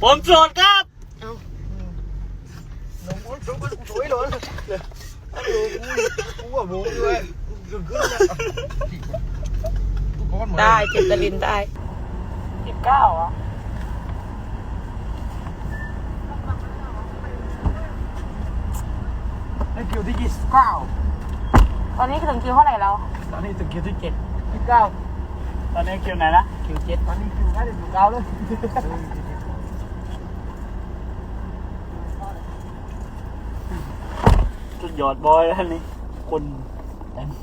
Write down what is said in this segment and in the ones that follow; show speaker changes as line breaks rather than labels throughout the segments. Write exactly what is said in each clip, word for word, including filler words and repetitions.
ผมโสดครับ
เอ้า
หนุ่มคนสวยคนสวยเลยเออกูกูว่าโมด้วยขึ้นขึ้นนะ
ได้เจ็บตะลินได้สิบเก้าอ่ะ
ไอ้คิวที่ยี่สิบเก้า
ตอนนี้ถึงคิวเท่าไหร่แล้ว
ตอนนี้ถึงคิวที่เจ็ด
ยี่สิบเก้าตอนนี้คิวไหนนะ
คิวเจ็ดตอนนี้คิวได้ถึงคิวเก้าเลย
สุดยอดบอยแล้วนี่คนเต็ม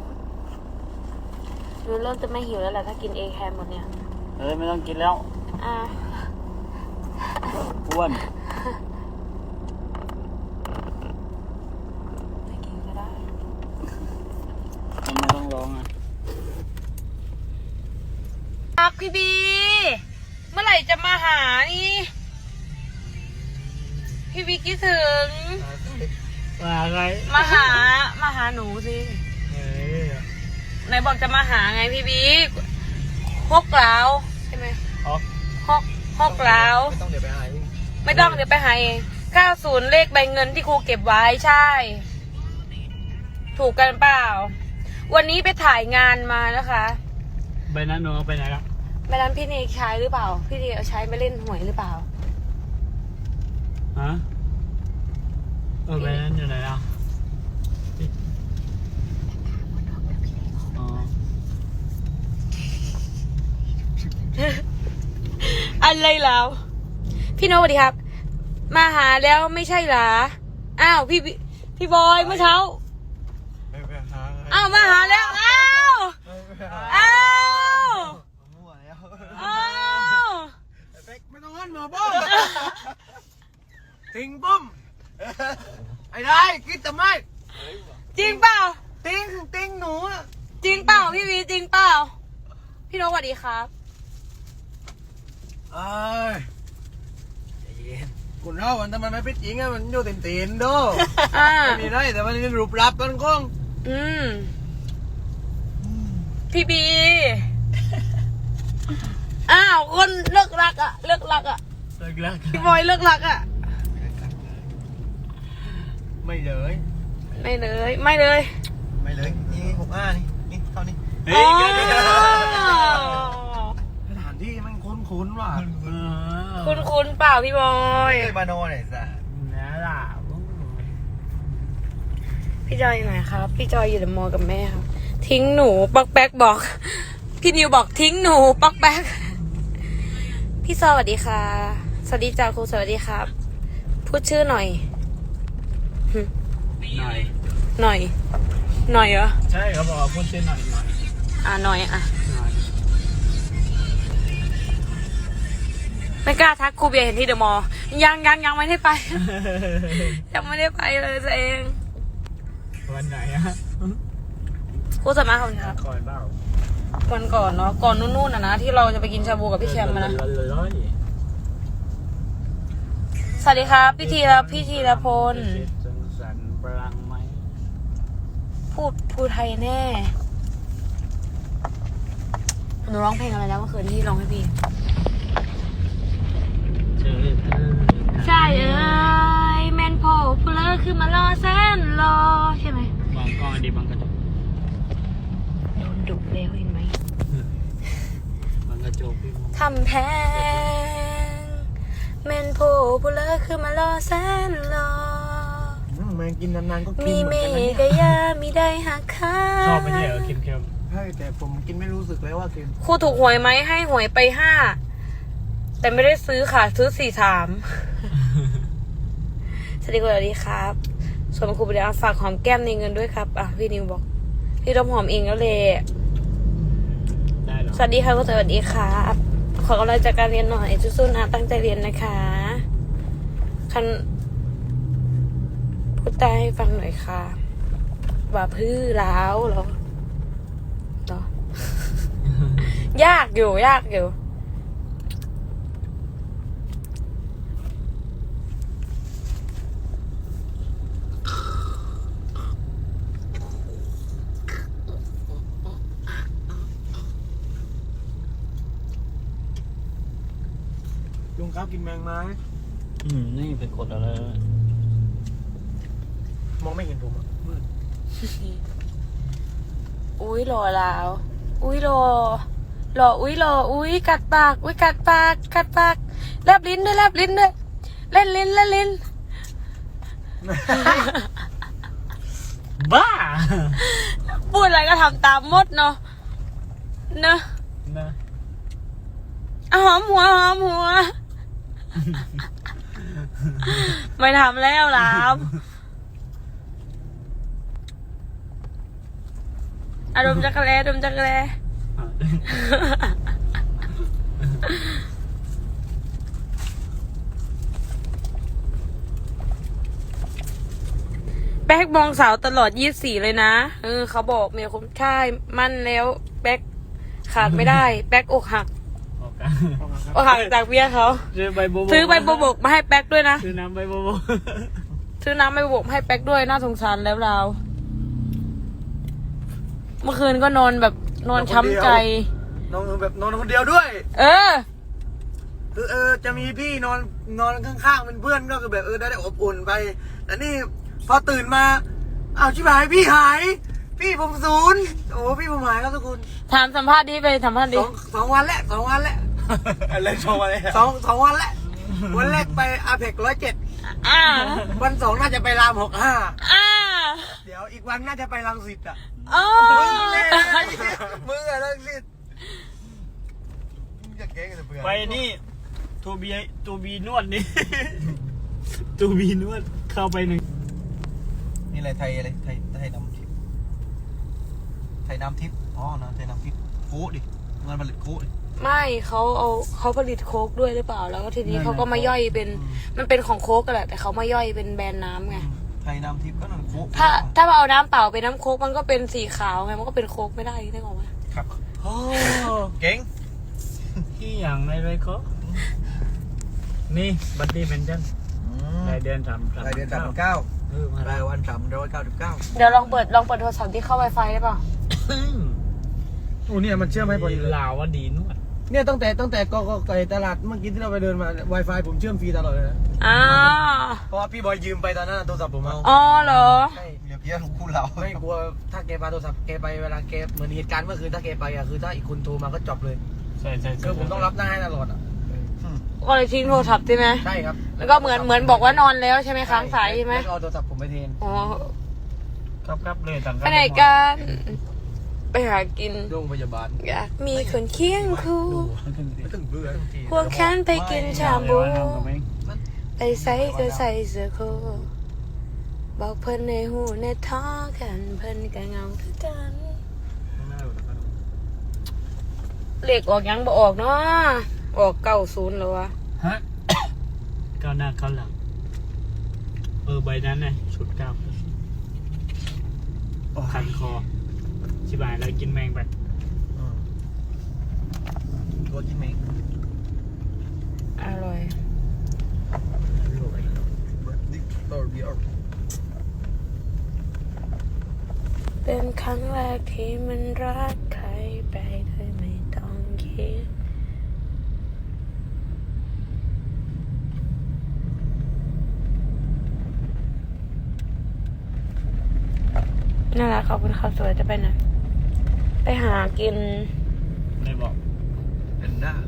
ดูเริ่มจะไม่หิวแล้วแหละถ้ากินเอแคมหมดเนี่ย
เอ้ยไม่ต้องกินแล้ว
อ่า
อ้วน
ไม่กินก็ได้
ไม่ต้องร้องอ่ะ
อักพี่บีเมื่อไหร่จะมาหานี่พี่บีคิดถึง
มาอะไร
มาหามาหาหนูสิไหนบอกจะมาหาไงพี่บีฮกแล้วใช่ไหม
ฮอก
ฮกฮกแล้ว
ไม่ต้องเดี๋ยวไปหา
ไม่ต้องเดี๋ยวไปหาเองเก้าศูนย์เลขใบเงินที่ครูเก็บไว้ใช่ถูกกันเปล่าวันนี้ไปถ่ายงานมานะคะ
ใบนั้นหนูไปไหนครับ
ใบนั้นพี่เนยใช้หรือเปล่าพี่เนยเอาใช้ไปเล่นหวยหรือเปล่า
ฮะเออใบนั้นอยู่ไหนอ่ะ
อะไรแล้วพี่โน้ตสวัสดีครับมาหาแล้วไม่ใช่หรออ้าวพี่พี่บอยเมื่อเช้าอ้าวมาหาแล้วอ้าวอ้าวอ้าว
ไม่ต้องงั้นหมอป้อมติงป้อมไอ้ได้คิดทำไม
จริงเปล่า
ติงติงหนู
จริงเปล่าพี่วีจริงเปล่าพี่โน้ตสวัสดีครับ
เอ้ยคุณเราวันทำไมไม่เป็นจริงอะมันอยู่เต็มเต็มด้วยมีไรแต่มันรูปลับกันก้อง
อืมพี่บีอ้าวคนเลิกรักอะเลิกรักอะ
เลิกรัก
พี่บอยเลิกรักอะ
ไม่เลย
ไม่เลยไม่เลย
ไม่เลยนี่หกห้านี่นี่เท่านี้
เฮ้ย
สถานที่มันคุ้นๆว่ะ
คุ้นๆเปล่าพี่บอย
เคยมาโน่ไหนซะ
นี่ล่ะ
พี่จอยอยู่ไหนครับพี่จอยอยู่ในมอกับแม่ครับทิ้งหนูปักแป๊กบอกพี่นิวบอกทิ้งหนูปักแป๊กพี่ซอสวัสดีค่ะสวัสดีจ้าครูสวัสดีครับพูดชื่อหน่อย
หน่อย
หน่อยหน่อยเหรอ
ใช่เขาบอกว่าพูดชื่อหน่อยหน่อย
อ่าหน่อยอ่ะไม่กล้าทักครูเบียร์เห็นที่เดอะมอลล์ยังยังยังไม่ได้ไปยังไม่ได้ไปเลยตัวเอง
วันไหนอะ
ครูสมาคนครับ
ก่อนเปล่า
วันก่อนเนาะก่อนนู่นๆนะนะที่เราจะไปกินชาบูกับพี่แคมมานะสวัสดีครับพี่ธีรพี่ธีรพลพูดพูดไทยแน่หนูร้องเพลงอะไรแล้วเมื่อคืนที่ร้องให้พี่ใช่เอ้ยแมนโพพูเลอร์คือมารอแสนรอใช่ไหม
บางก้อนดีบางกระจก
โดนดุแล้วเห็นไหม
บางกระจก
ทำแพงแมนโพพูเลอร์คือมารอแสนรอ
แมงกินนานๆก็กิน
มีเมกะยามีได้หักค่า
ชอบไหมเนี่ยเค็ม
ๆใช่แต่ผมกินไม่รู้สึกเลยว่าเค็ม
ครูถูกหวยไหมให้หวยไปห้าแต่ไม่ได้ซื้อค่ะซื้อสี่สามสวัสดีคุณสวัสดีครับส่วนครูไปเดี๋ยวฝากหอมแก้มในเงินด้วยครับอ่ะพี่นิวบอกพี่ต้องหอมเองแล้วเลยสวัสดีค่ะคุณสวัสดีครับขอกำลังใจการเรียนหน่อยสู้ๆนะตั้งใจเรียนนะคะคันพูดใต้ให้ฟังหน่อยค่ะว่าพื้อล้าวเหรอเหรอยากอยู่ยากอยู่
ลุงครับกินแมงไม้
อืมนี่ไปกดอะไร
มองไม่เห็นผมอ่ะมืด
อุ้ยหล่อแล้วอุ้ยหล่อหล่ออุ้ยหล่ออุ้ยกัดปากอุ้ยกัดปากกัดปากแลบลิ้นด้วยแลบลิ้นด้วยเล่นลิ้นเล่นลิ้น
บ้า
พูดอะไรก็ทำตามหมดเนาะเนอะ
นะ
อ่ะหอมหัวหอมหัว ไม่ทำแล้วหลามอารมณ์จักรแลอารมณ์จักรแลแป๊กมองสาวตลอดยี่สิบสี่เลยนะเออเขาบอกเมียคุณใช่มั่นแล้วแป๊กขาดไม่ได้ แป๊กอกหัก
ออกกัน
อกหักจากเมียเขา
ซื้อใบโบโบ
ซื้อใบโบวบกมาให้แป๊กด้วยนะ
ซื้อน้ำใบโบโบ
ซื้อน้ำใบโบวบกมาให้แป๊กด้วยน่าสงสารแล้วเราเมื่อคืนก็นอนแบบนอนช้ำใจ
นอนแบบนอนคนเดียวด้วย
เออ
คือเออจะมีพี่นอนนอนข้างๆเป็นเพื่อนก็คือแบบเออได้ได้อบอุ่นไปแต่นี่พอตื่นมาอ้าวชิบหายพี่หาย พี่ผมศูนย์โอ้พี่ผมหายครับทุกคน
ถามสัมภาษณ์ดิไปสัมภาษณ์
ส
ดิ
องสองวันแล้วสองวันแล้ว
อะไรสองวันเลย
สองสองวันแล้ววันแรกไปอาเพกร้อยเจ็ด
อ่า
วันสองน่าจะไปรามหกห้า
อ่า
เดี๋ยวอีกวันน่าจะไปรังสิตอ่ะ
อ๋อ
มึงอะรังสิตมึงจะเก่งกันเบื่อ
ไปนี่ตูบีตูบีนวดนี่ ตูบีนวดเข้าไปหนึ่ง
นี่อะไรไทยอะไรไทยไทยน้ำทิพย์ไทยน้ำทิพย์อ๋อนะไทยน้ำทิพย์โค้ดดิงานผลิตโค้ดดิ
ไม่เขาเอาเขาผลิตโค้กด้วยหรือเปล่าแล้วก็ทีนี้เขาก็มาย่อยเป็นมันเป็นของโค้กกันแหละแต่เขามาย่อยเป็นแบรนด์น้ำไง
ไทยน้ำทิพย์ก็นั่นโค้ด
ถ้าถ้าเอาน้ำเปล่าเป็นน้ำโค้กมันก็เป็นสีขาวไงมันก็เป็นโค้กไม่ได้ได้หรอวะ
ครับโอ้เก่ง
ที่อย่างไรไรก็นี่บัตตี้เป็นจันรายเดือนสาม
รายเดือนสามพันเก้า
เออมาร
ายวันสามร้อยเก้าสิบเก้า
เดี๋ยวลองเปิดลองเปิดโทรศัพท์ที่เข้า Wi-Fi ได้เปล่า
โอ้เนี่ยมันเชื่อมให้พอดีเลย
ลาวว่าดีนวด
เนี่ยตั้งแต่ตั้งแต่ก็ก็ไก่ตลาดเมื่อกี้ที่เราไปเดินมา Wi-Fi ผมเชื่อมฟรีตลอดเลยนะ
อ่า
เพราะว่าพี่บอยยืมไปตอนนั้นโทรศัพท์ผมเอา
อ๋อเหรอ
ใช่เดี๋ยวพี่รู้คู่เราไม่กลัวถ้าแกพาโทรศัพท์แกไปเวลาแกเหมือนเหตุการณ์เมื่อคืนถ้าแกไปอ่ะคือถ้าอีกคนโทรมาก็จบเลย
ใช่ใช่
คือผมต้องรับหน้าให้ตลอดอ่ะ
ก็เลยทิ้งโทรศัพท์ใช่ไหม
ใช่ครับ
แล้วก็เหมือนเหมือนบอกว่านอนแล้วใช่ไหมค้างสายใช่ไหม
แล้วก็เอาโทรศัพท์ผมไปเทน
อ๋อ
ครับครับเลยต่าง
ไปไหนกันไปหากิน
โรงพยาบาล
อยากมีคนเคียงคู่
ไม่ต้องเบื่อ
ควงแขนไปกินชาบู ไปใส่ก็ใส่เสื้อโคบอกเพิ่นในหูในท้อกันเพิ่นก็เงาคือกันเลขออกยังบ่ออกเนาะออกเก้าศูนย์แล้ววะ
ฮะก้าวหน้าก้าวหลังเออใบนั้นไงชุดก้าวคันคอชิบายแล้วกินแมงไป
ตัวกินเมง
อร่อย
ดิต่อเบียร์
เป็นครั้งแรกที่มันรักใครไปโดยไม่ต้องคิดน่ารักขอบคุณครับสวยจะไปไหนไปหากิน
ไม่บอก
เป็นหน้า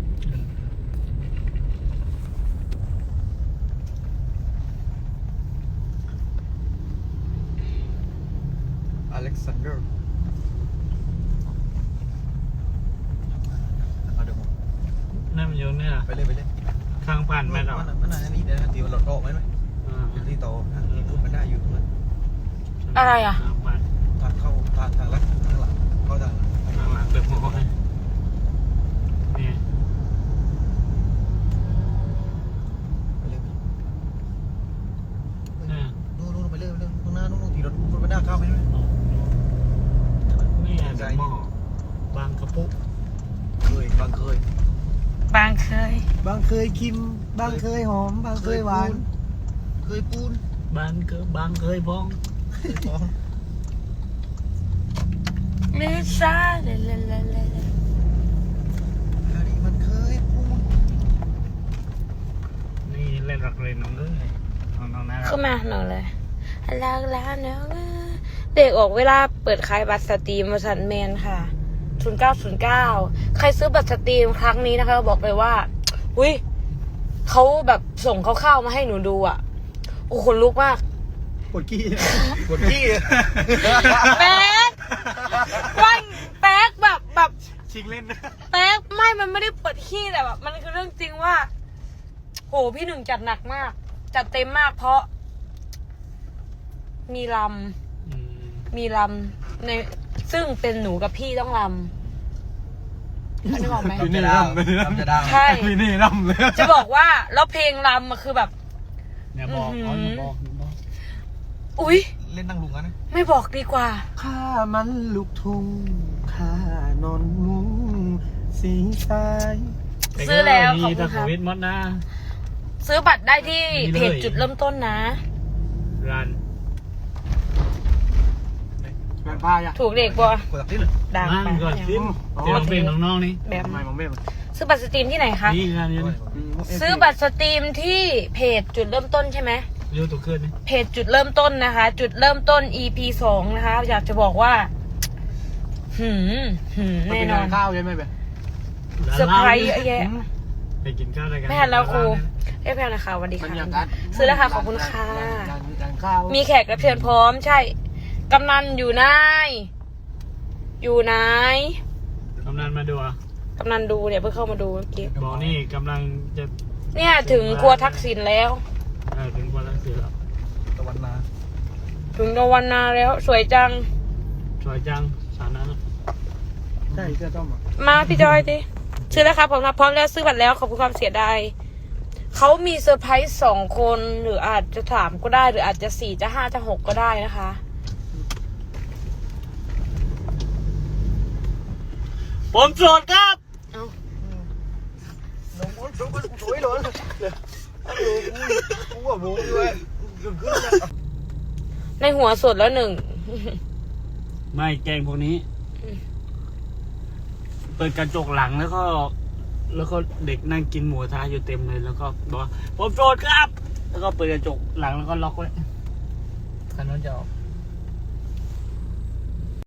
อเล็กซานเดอร์เอาเดี๋ยวผม
นั่นมันโยนเนี่ย
ไปเลยไปเลย
ข้างผ่านไม่หรอก
มันมันอันนี้เดี๋ยวตีมันหลอดออกไหมไหมเป็นที่โตที่พูดมันได้อยู่ตรงนั้น
อะไรอ่ะ
ข้างผ่าน
ทางเข้าทางทางลัดทางหลังเข้าทาง
ข้างหลังเปิดหัวให้นี่
ไปเลย
นี่
นู่นนู่นไปเลยไปเลยตรงหน้านู่นตีรถคนมันหน้าเข้าไปไหม
นี่เดี๋ยวหม้อบางกระปุก
เคยบางเคย
บางเคย
บางเคยคิมบางเคยหอมบางเคยหวานเคยปูน
บางเกบางเคยบ้อง
เคยหอม
ลิซาเลเลเลเล
อันนี้มันเคยปูน
ขึ้นมาหน่อยเลยลาลาเนาะเด็กออกเวลาเปิดขายบัตรสตรีมบริษัทแมนค่ะศูนย์เก้าศูนย์เก้าใครซื้อบัตรสตรีมครั้งนี้นะคะบอกเลยว่าอุ้ยเขาแบบส่งเขาเข้ามาให้หนูดูอ่ะโอ้คนลุกมาก
ปวดขี้ปวดขี้
แป๊กวันแป๊กแบบแบบ
ชิงเล่นนะ
แป๊กไม่มันไม่ได้เปิดขี้แต่แบบมันคือเรื่องจริงว่าโหพี่หนึ่งจัดหนักมาก จัดเต็มมากเพราะ มีล
อืม
ำมีลำในซึ่งเป็นหนูกับพี่ต้องลำอันนี้บอกไหม
พี่นี่ร่ำร่ำจะดาว
ใช่
พี่นี่ร่ำเลย
จะบอกว่าแล้วเพลงลำมันคือแบบ
อย่าบอก
อื้อหือ
อ๋ออย่าบอกอย่าบอก
อุ๊ย
เล่นนั่งลุงกันนะ
ไม่บอกดีกว่า
ข้ามันลูกทุ่งข้านอนมุ้งสีสาย
ซื้อแล้ว
มี
ขอบคุ
แต่
ณ
โค
ครับ
วิดหมดนะ
ซื้อบัตรได้ที่
มีเลย
เพจจุดเริ่มต้นนะ
รัน
แบ่งผ้าอ่ะ
ถูกเด็กบัว
กดตักที่เลย
ดัง
นั่ง
ไป
ก่อนสิเดี๋ยวเราเป็นน้องๆนี่
แบบ
ทำไมมองไม่
ซื้อบัตรสตรีมที่ไหนคะ
นี่งานนี้นี่
ซื้อบัตรสตรีมที่เพจจุดเริ่มต้นใช่ไหม
ยูทูบขึ้นนี่
เพจจุดเริ่มต้นนะคะ จุดเริ่มต้น อี พี สองนะคะ อยากจะบอกว่า หืมหืมแน่นอน
ข้าวใช่ไหมเบ๊
เซอร์ไพรส์เยอะแยะ
ไปกินข้าวอะไรกัน
ไม่ทันแล้วครูเอ้ยแพลนะคะสวัสดีค่ะซื้อแล้วค่ะขอบคุณค่ะ
ข้าว
มีแขกรับเชิญพร้อมใช่ กำนันอยู่ไหนอยู่ไหน
กำนันมาดูอ่ะ
กำนันดูเนี่ยเพิ่งเข้ามาดูเมื่อกี้
บอกนี่กำลังจะ
เนี่ยถึงครัวทักษิณแล้ว
เออถึงวันละสิแล้ว
ตะวันนา
ถึงตะวันนาแล้ว สวยจัง
สวยจังสารนั้น
ใช่เสื้อต้มอ่ะ
มาพี่จอยดิซื้อแล้วครับผมนะพร้อมแล้วซื้อบัตรแล้วขอบคุณความเสียดายเขามีเซอร์ไพรส์สองคนหรืออาจจะสามก็ได้ หรืออาจจะสี่จะห้าจะหกก็ได้นะคะ
ผมโสดครับ
เอา
น้องน้องสวยเลยกูว่าบูด้วยขึ้นเลย
ในหัวสดแล้วหนึ่ง
ไม่แกงพวกนี้ เปิดกระจกหลังแล้วก็ แล้วก็เด็กนั่งกินหมูกระทะอยู่เต็มเลยแล้วก็บอกว่าผมโสดครับ แล้วก็เปิดกระจกหลังแล้วก็ล็อกไว้
คันนั้นจะออก